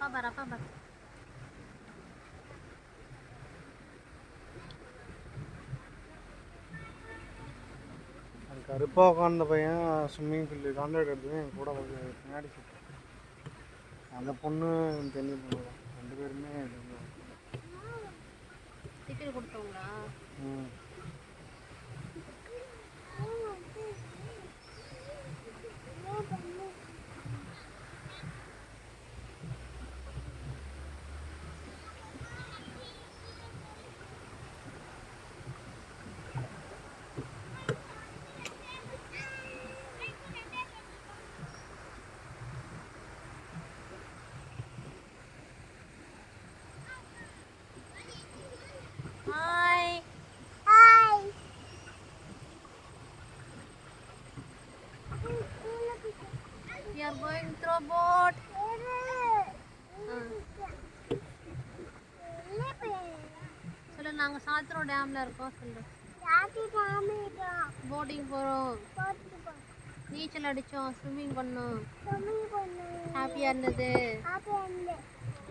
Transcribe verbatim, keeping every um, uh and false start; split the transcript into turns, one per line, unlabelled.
அப்பா பார் அப்பா பார்.
கருப்பாக உட்காந்த பையன் ஸ்விம்மிங் ஃபீல்டு கான்ட்ராக்ட் எடுத்து என் கூட பின்னாடி சுற்று. அந்த பொண்ணு தெரிய பொண்ணு தான், ரெண்டு பேருமே
டிக்கெட் கொடுத்தவங்களா?
ம்.
Hi.
Hi.
We are going through boat. சொல்லு, நாங்க சாத்திரம் டேம்ல இருக்கோம். சொல்லு. போட்டிங் போறோம், நீச்சல் அடிச்சோம், ஸ்விம்மிங் பண்ணோம், ஹாப்பியா இருந்தது.